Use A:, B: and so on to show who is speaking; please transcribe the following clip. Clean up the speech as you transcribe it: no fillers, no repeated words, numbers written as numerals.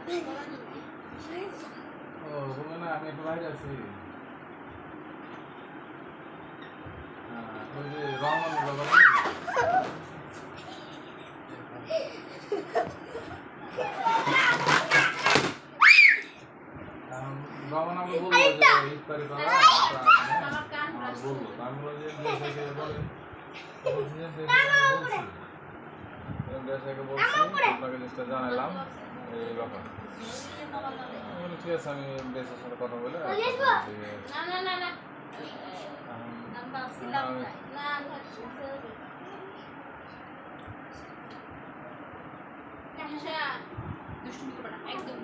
A: ও বললো না আমি একটু বাইরে আছি। ওই যে রহমান বাবা রহমান আমাকে বললো যে ইফতারি করা বললো আমি বললাম যে বলে দেশাকে বলছি আপনাকে জিনিসটা জানালাম এই ব্যাপার। ঠিক আছে আমি দেশের সাথে কথা বলে
B: দুষ্টুমি করবে না একদম।